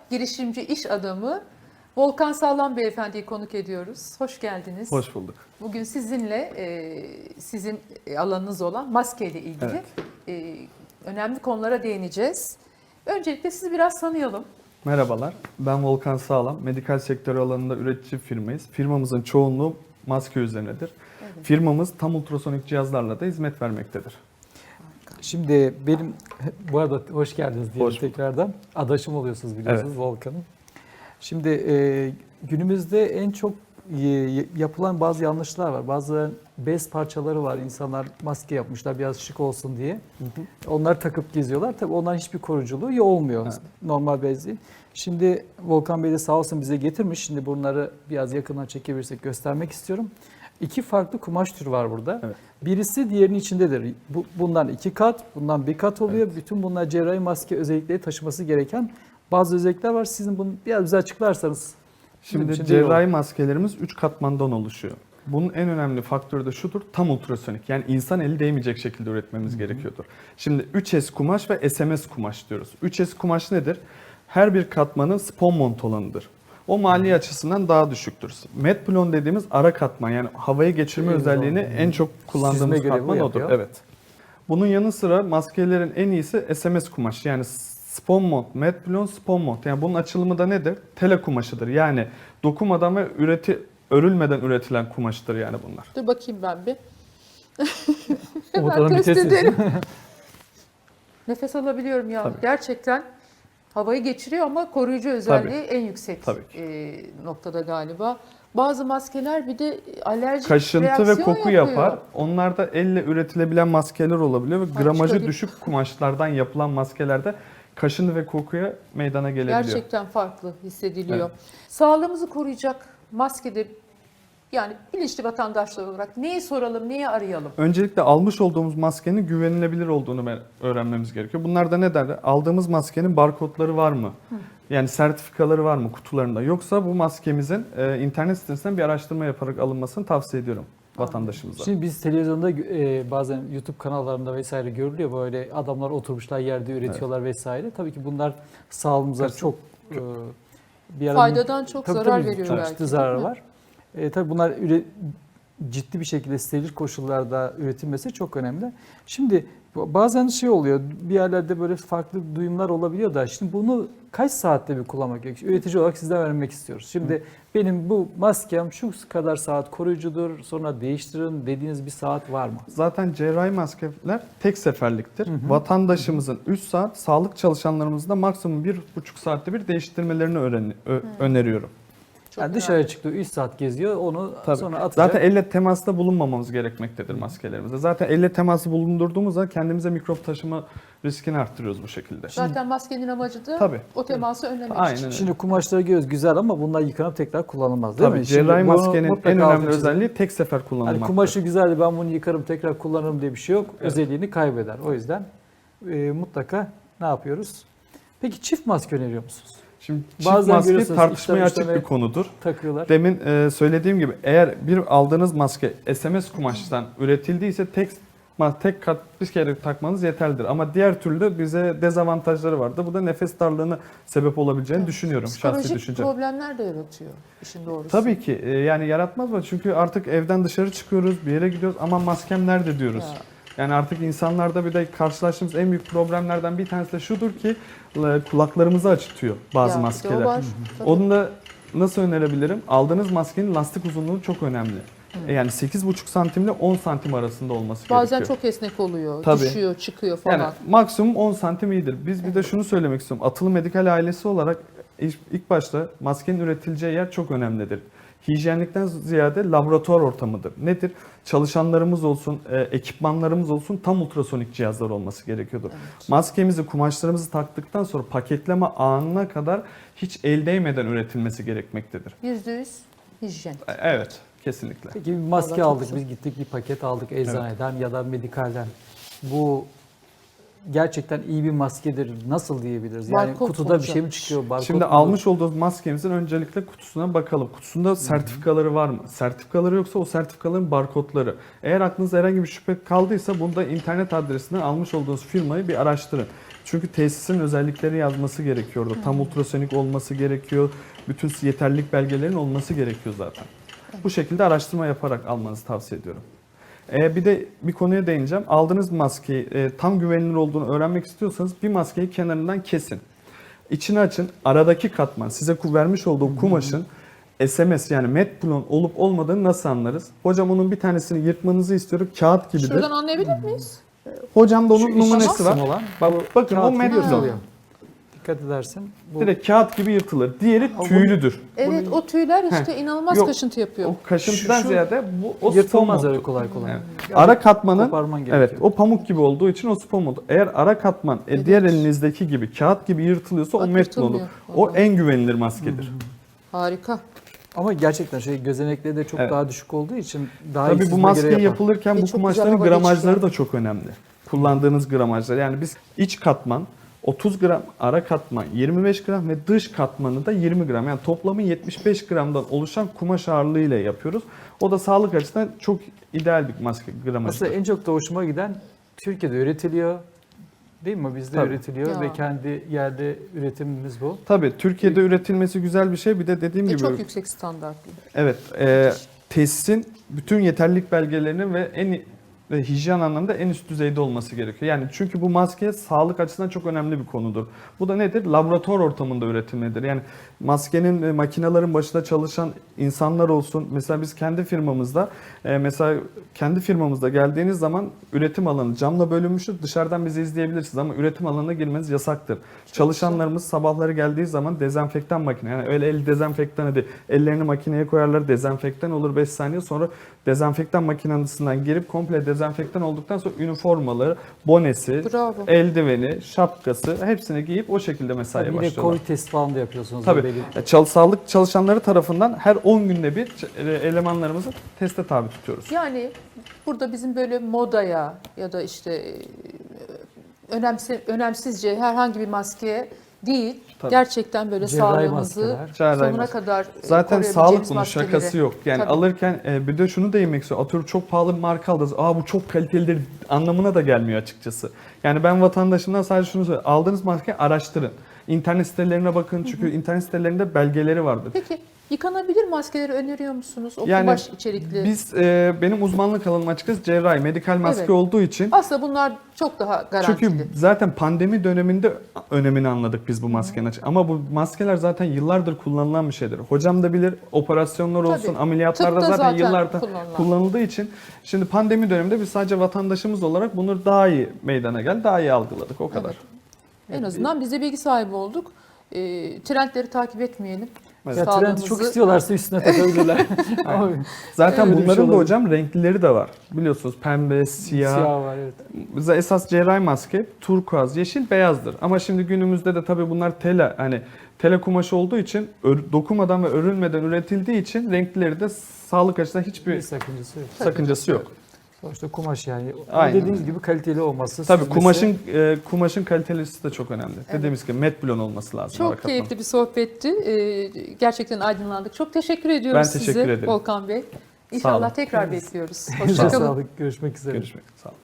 girişimci iş adamı Volkan Sağlam Beyefendi'yi konuk ediyoruz. Hoş geldiniz. Hoş bulduk. Bugün sizinle sizin alanınız olan maskeyle ilgili önemli konulara değineceğiz. Öncelikle sizi biraz tanıyalım. Merhabalar, ben Volkan Sağlam. Medikal sektörü alanında üretici firmayız. Firmamızın çoğunluğu maske üzerinedir. Evet. Firmamız tam ultrasonik cihazlarla da hizmet vermektedir. Şimdi benim, bu arada hoş geldiniz diyelim Hoş bulduk. tekrardan. Adaşım oluyorsunuz biliyorsunuz Volkan'ın. Şimdi günümüzde en çok yapılan bazı yanlışlar var. Bazı bez parçaları var. İnsanlar maske yapmışlar biraz şık olsun diye. Onları takıp geziyorlar. Tabii onların hiçbir koruyuculuğu olmuyor. Evet. Normal bez değil. Şimdi Volkan Bey de sağ olsun bize getirmiş. Şimdi bunları biraz yakından çekebilirsek göstermek istiyorum. İki farklı kumaş türü var burada. Evet. Birisi diğerinin içindedir. Bundan 2 kat, bundan 1 kat oluyor. Evet. Bütün bunlar cerrahi maske özellikleri taşıması gereken bazı özellikler var. Sizin bunu biraz bize açıklarsanız. Şimdi için cerrahi maskelerimiz 3 katmandan oluşuyor. Bunun en önemli faktörü de şudur, tam ultrasonik. Yani insan eli değmeyecek şekilde üretmemiz gerekiyordur. Şimdi 3S kumaş ve SMS kumaş diyoruz. 3S kumaş nedir? Her bir katmanın spon mont olanıdır. O mali açısından daha düşüktür. Medplon dediğimiz ara katman, yani havaya geçirme özelliğini en çok kullandığımız Süzme görevi katman odur. yapıyor. Evet. Bunun yanı sıra maskelerin en iyisi SMS kumaş. Yani spon mont, medplon, spon mont. Yani bunun açılımı da nedir? Tele kumaşıdır. Yani dokumadan ve örülmeden üretilen kumaştır yani bunlar. Dur bakayım ben bir. Umut Hemen Hanım bir test test edelim. etsin. Nefes alabiliyorum ya. Tabii. Gerçekten havayı geçiriyor ama koruyucu özelliği en yüksek Tabii noktada galiba. Bazı maskeler bir de alerjik Kaşıntı ve reaksiyon koku yapıyor. yapar. Onlar da elle üretilebilen maskeler olabiliyor ve gramajı çıkarayım. düşük kumaşlardan yapılan maskelerde kaşıntı ve kokuya meydana gelebiliyor. Gerçekten farklı hissediliyor. Evet. Sağlığımızı koruyacak maskede, yani bilinçli vatandaşlar olarak neyi soralım, neyi arayalım? Öncelikle almış olduğumuz maskenin güvenilebilir olduğunu öğrenmemiz gerekiyor. Bunlar da ne derler? Aldığımız maskenin barkodları var mı? Yani sertifikaları var mı kutularında? Yoksa bu maskemizin internet sitesinden bir araştırma yaparak alınmasını tavsiye ediyorum vatandaşımıza. Şimdi biz televizyonda bazen YouTube kanallarında vesaire görülüyor. Böyle adamlar oturmuşlar yerde üretiyorlar vesaire. Tabii ki bunlar sağlığımıza çok bir ara Faydadan çok tabii, zarar tabii, veriyor çok belki, ciddi değil zararı mi? var. Tabii bunlar ciddi bir şekilde steril koşullarda üretilmesi çok önemli. Şimdi bazen şey oluyor, bir yerlerde böyle farklı duyumlar olabiliyor da şimdi bunu kaç saatte bir kullanmak gerekiyor? Üretici olarak sizden öğrenmek istiyoruz. Şimdi benim bu maskem şu kadar saat koruyucudur, sonra değiştirin dediğiniz bir saat var mı? Zaten cerrahi maskeler tek seferliktir. Vatandaşımızın 3 saat, sağlık çalışanlarımızın da maksimum 1,5 saatte bir değiştirmelerini öneriyorum. Çok Yani dışarı çıktığı 3 saat geziyor, onu Tabii. sonra atacak. Zaten elle temasta bulunmamamız gerekmektedir maskelerimizde. Zaten elle teması bulundurduğumuzda kendimize mikrop taşıma riskini arttırıyoruz bu şekilde. Zaten maskenin amacı da Tabii. o teması önlemek Aynen için. öyle. Şimdi kumaşları görüyoruz güzel ama bunlar yıkanıp tekrar kullanılmaz değil Tabii mi? Şimdi cerrahi bunu maskenin mutlaka en altını önemli çizelim. özelliği tek sefer kullanılmaktır. Hani kumaşı güzeldi ben bunu yıkarım tekrar kullanırım diye bir şey yok. Evet. Özelliğini kaybeder. O yüzden mutlaka ne yapıyoruz? Peki çift maske öneriyor musunuz? Şimdi çift Bazen maske görüyorsunuz tartışmaya içten açık içe bir konudur. Takıyorlar. Demin söylediğim gibi eğer bir aldığınız maske SMS kumaştan üretildiyse tek kat bir kere takmanız yeterlidir. Ama diğer türlü bize dezavantajları vardı. Bu da nefes darlığına sebep olabileceğini düşünüyorum. Şahsi Psikolojik düşüncem. problemler de yaratıyor işin doğrusu. Tabii ki yani yaratmaz mı? Çünkü artık evden dışarı çıkıyoruz, bir yere gidiyoruz ama maskem nerede diyoruz. Ya. Yani artık insanlarda bir de karşılaştığımız en büyük problemlerden bir tanesi de şudur ki kulaklarımızı acıtıyor bazı Ya, bir de maskeler. o var. Tabii. Onu da nasıl önerebilirim? Aldığınız maskenin lastik uzunluğu çok önemli. Yani 8,5 santim ile 10 santim arasında olması Bazen gerekiyor. çok esnek oluyor, Tabii. düşüyor, çıkıyor falan. Yani maksimum 10 santim iyidir. Biz bir de şunu söylemek istiyorum. Atılı Medikal ailesi olarak ilk başta maskenin üretileceği yer çok önemlidir. Hijyenlikten ziyade laboratuvar ortamıdır. Nedir? Çalışanlarımız olsun, ekipmanlarımız olsun tam ultrasonik cihazlar olması gerekiyordur. Evet. Maskemizi, kumaşlarımızı taktıktan sonra paketleme anına kadar hiç el değmeden üretilmesi gerekmektedir. %100 hijyen. Evet, kesinlikle. Peki bir maske Vallahi çok aldık, güzel. biz gittik bir paket aldık eczaneden ya da medikalden. Bu gerçekten iyi bir maskedir. Nasıl diyebiliriz? Yani Barkod kutuda bir olacak. şey mi çıkıyor? Barkod Şimdi mudur? almış olduğumuz maskemizin öncelikle kutusuna bakalım. Kutusunda sertifikaları var mı? Sertifikaları yoksa o sertifikaların barkodları. Eğer aklınızda herhangi bir şüphe kaldıysa bunu da internet adresinden almış olduğunuz firmayı bir araştırın. Çünkü tesisin özellikleri yazması gerekiyordu. Tam ultrasonik olması gerekiyor. Bütün yeterlilik belgelerin olması gerekiyor zaten. Bu şekilde araştırma yaparak almanızı tavsiye ediyorum. Bir de bir konuya değineceğim. Aldığınız maskeyi tam güvenilir olduğunu öğrenmek istiyorsanız bir maskeyi kenarından kesin. İçini açın. Aradaki katman, size vermiş olduğu kumaşın SMS yani metplon olup olmadığını nasıl anlarız? Hocam onun bir tanesini yırtmanızı istiyorum. Kağıt gibidir. Şuradan anlayabilir miyiz? Hocam da onun Şu numunesi kısım var. olan, Bakın o kağıt gibi metplon. yırtılıyor. Dikkat edersin. Bu Direkt kağıt gibi yırtılır. Diğeri bu- tüylüdür. Evet, o tüyler işte inanılmaz Yok, kaşıntı yapıyor. O kaşıntıdan Şu ziyade o yırtılmaz spon öyle modu. kolay kolay. Evet. Yani Ara katmanın koparman gerekiyor. evet o pamuk gibi olduğu için o spon modu. Eğer ara katman Evet. diğer elinizdeki gibi kağıt gibi yırtılıyorsa Bak, o metplon olur. yırtılmıyor. O en güvenilir maskedir. Harika. Ama gerçekten gözenekleri de çok Evet. daha düşük olduğu için daha Tabii bu işsizliğe maske göre yapar. yapılırken bu çok güzel kumaşların hava gramajları geçiyor. da çok önemli. Kullandığınız gramajlar. Yani biz iç katman 30 gram, ara katman 25 gram ve dış katmanı da 20 gram. Yani toplamı 75 gramdan oluşan kumaş ağırlığıyla yapıyoruz. O da sağlık açısından çok ideal bir maske gramajı. Aslında en çok da hoşuma giden Türkiye'de üretiliyor. Değil mi? Bizde Tabii. üretiliyor Ya. ve kendi yerde üretimimiz bu. Tabii Türkiye'de üretilmesi güzel bir şey. Bir de dediğim gibi Çok yüksek standartlı. evet, tesisin bütün yeterlilik belgelerinin ve hijyen anlamda en üst düzeyde olması gerekiyor. Yani çünkü bu maske sağlık açısından çok önemli bir konudur. Bu da nedir? Laboratuvar ortamında üretilmedir. Yani maskenin makinelerin başında çalışan insanlar olsun. Mesela biz kendi firmamızda geldiğiniz zaman üretim alanı camla bölünmüştür. Dışarıdan bizi izleyebilirsiniz ama üretim alanına girmeniz yasaktır. Çalışanlarımız sabahları geldiği zaman dezenfektan makine, yani öyle el dezenfektanı değil. Ellerini makineye koyarlar, dezenfektan olur 5 saniye sonra dezenfektan makinesinden girip komple dezenfektan olduktan sonra üniformaları, bonesi, Bravo. eldiveni, şapkası hepsini giyip o şekilde mesaiye Tabii yine başlıyorlar. Covid test falan da yapıyorsunuz. Tabii. Belli. Sağlık çalışanları tarafından her 10 günde bir elemanlarımızı teste tabi tutuyoruz. Yani burada bizim böyle modaya ya da işte önemsizce herhangi bir maskeye değil, Tabii. gerçekten böyle Cerrahi sağlığımızı maskeler. Cerrahi sonuna maske. kadar Zaten koruyabileceğimiz sağlık bunun maskeleri. şakası yok. Yani Tabii. alırken bir de şunu değinmek istiyorum. Atıyorum çok pahalı bir marka aldınız. Bu çok kalitelidir anlamına da gelmiyor açıkçası. Yani ben vatandaşımdan sadece şunu söylüyorum. Aldığınız maskeyi araştırın. İnternet sitelerine bakın çünkü internet sitelerinde belgeleri vardır. Peki yıkanabilir maskeleri öneriyor musunuz? O Yani kumaş içerikli. Biz benim uzmanlık alanım açıkçası cerrahi, medikal maske Evet. olduğu için Aslında bunlar çok daha garantili. çünkü zaten pandemi döneminde önemini anladık biz bu maskenin. Ama bu maskeler zaten yıllardır kullanılan bir şeydir. Hocam da bilir, operasyonlar olsun, Tabii. ameliyatlarda Tıpta zaten zaten yıllardır kullanılan. kullanıldığı için şimdi pandemi döneminde biz sadece vatandaşımız olarak bunu daha iyi meydana geldi, daha iyi algıladık o kadar. Evet. En azından biz de bilgi sahibi olduk. Trendleri takip etmeyelim. Evet. Ya trendi Sağlığımızı- çok istiyorlarsa üstüne takabilirler. Ama Zaten öyle bir şey bunların da olabilir. hocam renklileri de var. Biliyorsunuz pembe, siyah. var evet. Bize esas cerrahi maske turkuaz, yeşil, beyazdır. Ama şimdi günümüzde de tabii bunlar tele kumaşı olduğu için dokumadan ve örülmeden üretildiği için renklileri de sağlık açısından Bir hiçbir sakıncası yok. sakıncası yok. Sonuçta kumaş yani. Aynen Dediğiniz öyle. gibi kaliteli olması. Tabii süzmesi. kumaşın kalitesi de çok önemli. Dediğimiz gibi metblon olması lazım. Çok harakatla. keyifli bir sohbetti. Gerçekten aydınlandık. Çok teşekkür ediyoruz Ben size teşekkür ederim. Volkan Bey. Sağ İnşallah olun. tekrar bekliyoruz. Elinize Hoşçakalın. sağlık. Görüşmek üzere. Görüşmek üzere. Sağ olun.